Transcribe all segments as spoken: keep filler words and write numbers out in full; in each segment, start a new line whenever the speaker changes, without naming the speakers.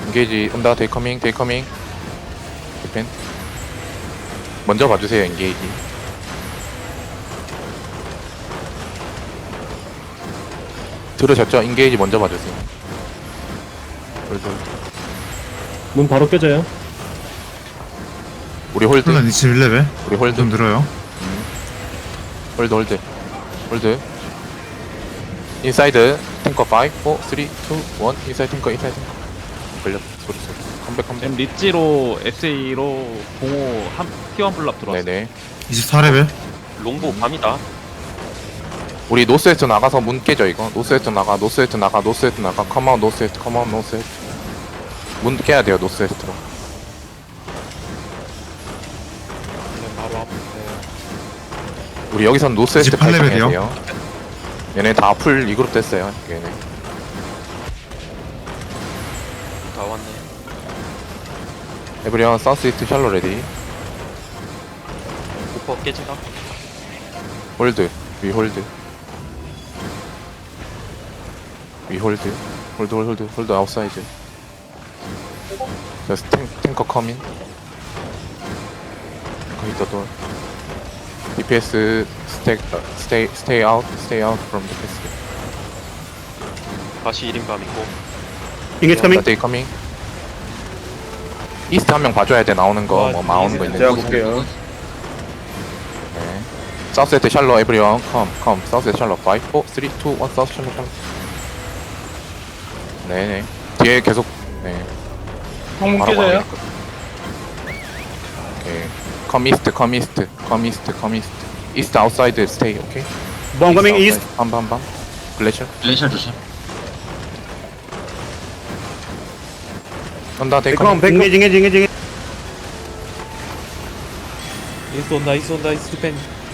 인게이지 온다. 데이 커밍 데이 커밍 디펜 먼저 봐주세요. 인게이지 들으셨죠? 인게이지 먼저 봐주세요. 홀드 홀드.
문 바로 깨져요.
우리 홀드
콜란 이십일 레벨.
우리 홀드
좀 늘어요.
홀드 홀드 홀드 인사이드 탱커 오, 사, 삼, 이, 일 인사이드 탱커 인사이드 탱커 걸렸 소리 소리 컴백 컴백
지금 리찌로 에스에이로 공호 한 티원 블랍 들어왔어.
네네
이십사 레벨.
롱보 밤이다.
우리 노스웨스트 나가서 문 깨져 이거. 노스웨스트 나가 노스웨스트 나가 노스웨스트 나가 컴아웃 노스웨스트 컴아웃 노스웨스트 문 깨야 돼요. 노스웨스트로
바로 앞에.
우리 여기선 노스웨스트
이십팔
발전해야
레벨이요?
돼요. 얘네 다 풀 이그룹 됐어요. 얘네
다 왔네.
에브리언 사우스이스트 샬로 레디
오퍼 깨진다.
홀드 위 홀드 위 홀드 홀드 홀드 홀드 아웃사이드 저스 탱, 탱커 커민 탱커 히터 돌 디피에스 스택 스테이 스테이 아웃 스테이 아웃 프롬 디피에스
다시 일 인 밤 있고.
인게이지 커밍.
데이 커밍 이스트 한 명 봐줘야 돼. 나오는 거 뭐 나오는 거 있는
제가
거
볼게요.
네. 사우스에트 샬로 에브리원 컴컴 사우스에트 샬로 오, 사, 이, 일 사우스 샬로 샬로 네네 뒤에 계속 네
항문
바로
깨져요.
가고 오케이 컴 이스트 컴 이스트 컴 이스트 컴 이스트 이스트 아웃사이드 스테이 오케이
원 커밍 이스트.
한밤밤 글래셔
글래셜 조심.
온다 데이
백컴
커밍
백컴.
인게이지 인게이지 인게이지.
이스 온다 이스 온다 이스 디펜.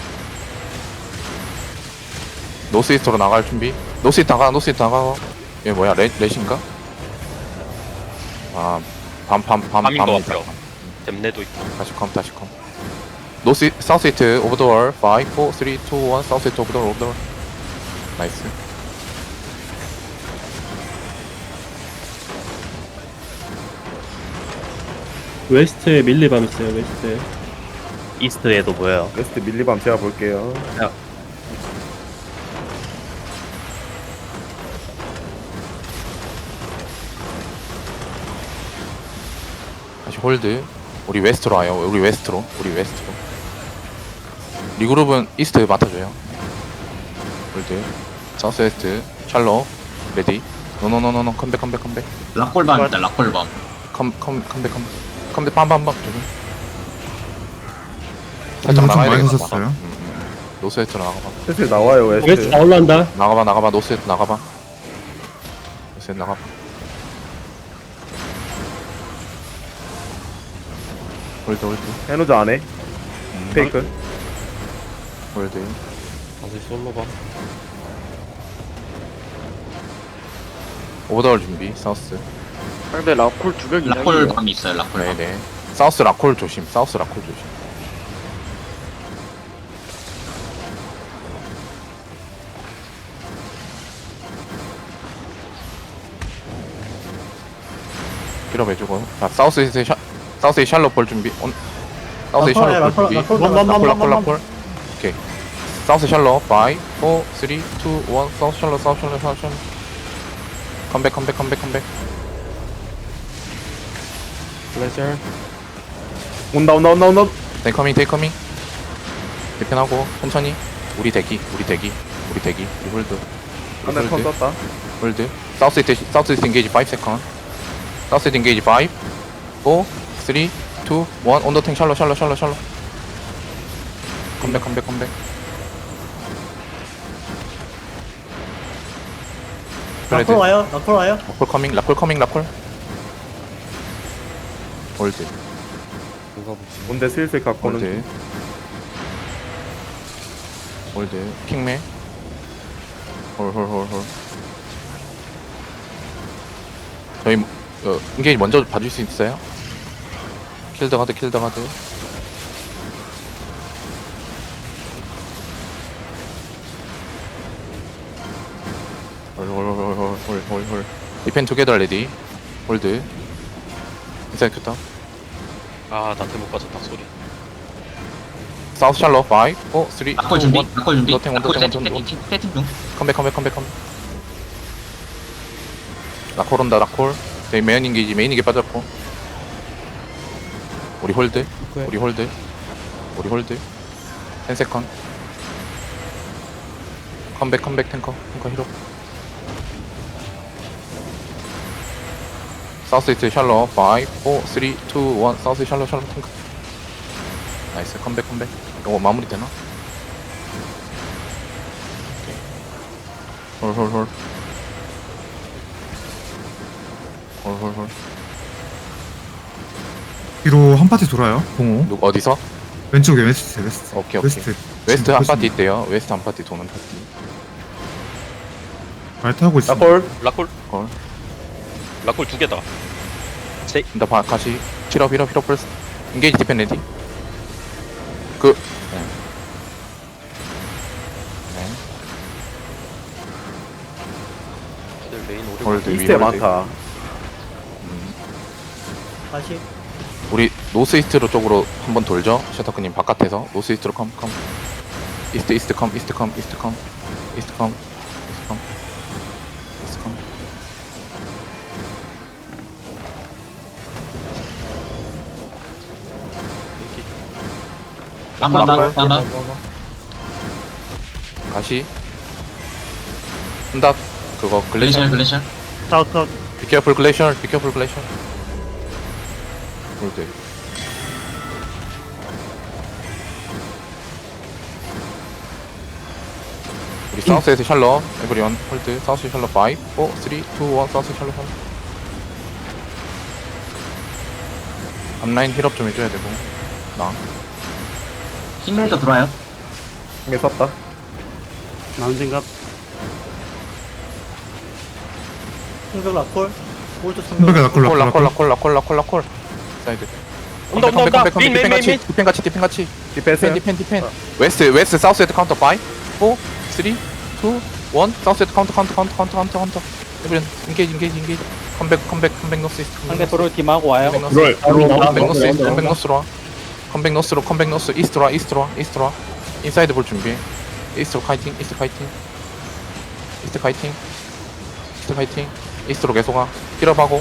노스 이스트로 나갈 준비 노스 이스트 나가 노스 이스트 나가 얘 뭐야 레, 레신가? 아밤밤밤밤
밤인 것 같아요. 댐내도 있고.
다시 컴 다시 컴 노스 사우스 이스트 오버 더월 오, 사, 삼, 이, 일 사우스 이스트 오버 더월 오버 더월 나이스
웨스트에 밀리밤 있어요. 웨스트에.
이스트에도 보여요.
웨스트 밀리밤 제가 볼게요.
다시 홀드 우리 웨스트로 와요 우리 웨스트로 우리 웨스트로 리그룹은 이스트 맡아줘요 홀드 사우스 웨스트 샬로 레디 노노노노노 컴백 컴백 컴백
락골밤이다 락골밤.
컴 컴 컴백 컴백 컴백 빰빰빰 저기 살짝
엄청
나가야
많이
되겠다
하셨어요.
노스 웨스트로 나가봐
슬슬 나와요
웨스트
웨스트.
다 올라온다.
나가봐 나가봐 노스 웨스트 나가봐 노스 웨스트 나가봐 홀드 홀드
해노자 안에.
음,
페이크.
홀드
다시 솔로 밤.
오버더월 준비 사우스
상대 라콜 두명 이상이에요.
락골밤이 있어요 락골밤.
네네 사우스 라콜 조심 사우스 라콜 조심 필업 해주고 자 사우스 이스트 샤 사우스 이스트 샬롯 볼 준비 온 사우스 이스트 샬롯 볼 준비 라콜 라콜 라콜 오케이 사우스 샬롯 오, 사, 삼, 이, 일 사우스 샬롯 사우스 샬롯 사우스 샬롯 컴백 컴백 컴백 컴백
글래셜.
온다 온다 온다 온다.
데이 커밍 데이 커밍 대편하고 천천히 우리 대기 우리 대기 우리 대기 우리 홀드 우리
하나 턴
홀드
썼다.
홀드 사우스 이스트 사우스 이스트 인게이지 오 세컨 사우스 이스트 인게이지 오, 사, 삼, 이, 일 언더탱 샬로 샬로 샬로 샬로 컴백 컴백 컴백 라콜 와요 라콜 와요 라콜 커밍 라콜 커밍 라콜 홀드
뭔데 슬슬 갖고는.
홀드 홀드 킹맨 홀홀홀홀 저희 어, 인게이지 먼저 봐줄 수 있어요? 킬더 가드 킬더 가드 홀홀홀홀홀홀홀 디펜 투게더 레디 홀드 인사이드 큐터.
아, 나 대못 빠졌다, 소리.
사우스 샬로 파이, 포, 쓰리,
라콜
투,
준비
원.
라콜 준비
노탱 온,
라콜
노탱 온,
세팅
노탱 온.
세팅 세팅 중
컴백 컴백 컴백 컴백. 라콜 온다 라콜. 저희 메인 인게이지 메인 인게 빠졌고. 우리 홀드. 우리 홀드. 우리 홀드. 텐 세컨. 컴백 컴백 탱커 탱커 히로. 사우스 이스트 샬로 파이, 포, 쓰리, 투, 원. 사우스 샬로 샬로 탱커. 나이스 컴백 컴백. 이거 마무리 되나? 홀홀홀. 홀홀홀.
뒤로 한 파티 돌아요. 공호.
누구 어디서?
왼쪽에 웨스트, 웨스트.
오케이 오케이.
웨스트.
웨스트 한
지금
파티 있대요. 웨스트 한 파티 도는 파티.
말 타고 있어.
라콜.
라콜?
걸.
라콜 두 개다.
나 바, 같이 힐업 힐업 힐업 플러스. 인게이지 디펜 레디. 그. 네. 네.
애들 메인 오래
홀드 위
이스트에
홀드.
많다.
음.
다시.
우리 노스 이스트로 쪽으로 한번 돌죠. 셔터크님 바깥에서 노스 이스트로 컴 컴. 이스트 이스트 컴 이스트 컴 이스트 컴 이스트 컴 이스트 컴 이스트 컴.
딴다 딴다
다시. 한다. 그거
글래셜
글래셜.
글래셜
사우스 사우스.
비케어풀 글래셜 비케어풀 글래셜. 홀드. 우리 사우스에서 샬러 에브리원 홀드. 사우스 샬러 파이, 포, 쓰리, 투, 원. 사우스 샬러 샬러. 앞라인 힐업 좀 해줘야 되고. 나
싱글도 들어와요
이게 썼다.
나온 생각.
한백에 라콜,
콜
라콜,
라콜
라콜.
라콜 라콜 라콜 라콜. 사이드.
온다, 온다, 온다. 메인, 메인, 메인, 메인.
디펜 같이 디펜 같이.
디펜스.
디펜 디펜 디펜. 웨스트 웨스트 사우스 헤드 카운터 파이, 포, 쓰리, 투, 원. 사우스 헤드 카운터 카운터 카운터 카운터 카운터 카운터. 에브리원 인게이지 인게이지 인게이지. 컴백 컴백 컴백 노스 이스트.
상대 프로 팀하고 와요.
컴백 노스.
롤.
컴백 노스 이스트. 컴백 노스로 와. 컴백 노스로 컴백 노스 이스트로 와 이스트로 와 이스트로 와. 인사이드 볼 준비해. 이스트로 카이팅 이스트 카이팅. 이스트 카이팅. 이스트 카이팅. 이스트로 계속 와. 힐업하고.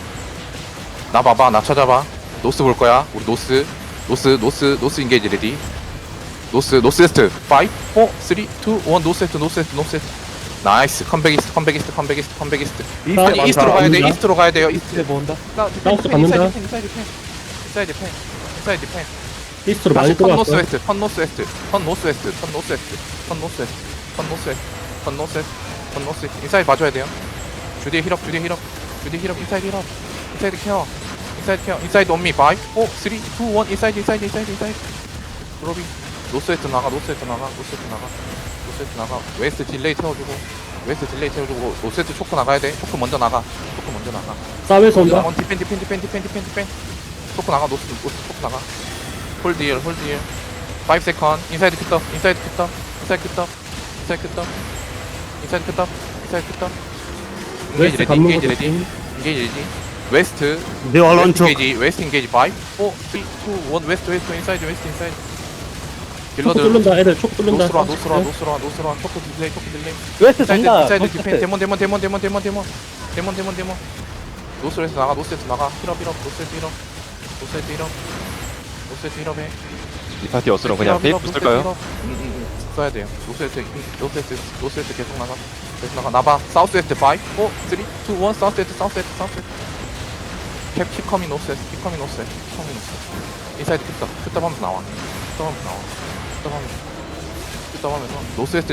나 봐봐 나 찾아봐. 노스 볼 거야. 우리 노스 노스 노스 노스 인게이지 레디. 노스 노스 웨스트 파이, 포, 쓰리, 투, 원. 노스 웨스트 노스 웨스트 노스 웨스트. 나이스. 컴백 이스트 컴백 이스트 컴백 이스트 컴백 이스트.
이스트에
아니,
많다.
이스트로 가야 돼.
많다.
이스트로 가야 돼요. 이스트.
본다.
사우스
받는다.
인사이드 펜 인사이드 펜 인사이드 펜.
이스트로
다시
많이
턴 노스
들어왔어요.
웨스트 턴 노스 웨스트 턴 노스 웨스트 턴 노스 웨스트 턴 노스 웨스트 턴 노스 웨스트 턴 노스 웨스트 턴 노스 웨스트. 인사이드 봐줘야 돼요. 주디 힐업 주디 힐업 주디 힐업 인사이드 힐업 인사이드 케어 인사이드 케어 인사이드 온미 파이, 포, 쓰리, 투, 원. 인사이드 인사이드 인사이드 인사이드. 드로빙. 노스 웨스트 나가 노스 웨스트 나가 노스 웨스트 나가 노스 웨스트 나가. 웨스트 딜레이 태워주고 웨스트 딜레이 태워주고 노스 웨스트 초크 나가야 돼. 초크 먼저 나가 초크 먼저 나가.
사우에서 온다.
원 디펜 디펜 디펜 디펜 디펜 디펜. 초크 나가 노스 노스 초크 나가. 홀드 힐 홀드 힐. 파이브 세컨. 인사이드 큐터 인사이드 큐터 인사이드 큐터 인사이드 큐터 인사이드 큐터 인사이드 큐터. 인게이지
웨스트
레디
감는
인게이지
것도
레디 인게이지 레디. 웨스트
네
웨스트
얼런쪽.
인게이지 웨스트 인게이지 파이브, 포, 쓰리, 투, 원. 웨스트 웨스트 인사이드 웨스트 인사이드.
초코
딜러들
뚫는다. 애들 초코 뚫는다.
노스로 와 노스로 와 노스로 와 노스로 와. 초크 딜레이 초크 딜레이.
웨스트
인사이드
전다.
인사이드 디펜 데몬 데몬 데몬 데몬 데몬 데몬 데몬 데몬 데몬. 노스에서 나가 노스에서 나가. 힐업 힐업 노스에서 힐업 노스에서 힐업 노스에서 힐업해.
이 파티 어스로 그냥 페이프 쓸까요?
응응응 써야 돼요. 노스웨스트 노스웨스트 노스웨스트 계속 나가 계속 나가. 나봐. 사우스웨스트 파이브, 포, 쓰리, 투, 원. 사우스웨스트 사우스웨스트 사우스웨스트. 캡 킵커밍 노스웨스트 킵커밍 노스웨스트 킵커밍 노스웨스트. 인사이드 큐터 큐터 하면서 나와. 큐터 하면서 나와. 큐터 하면서 큐터 하면서 노스웨스트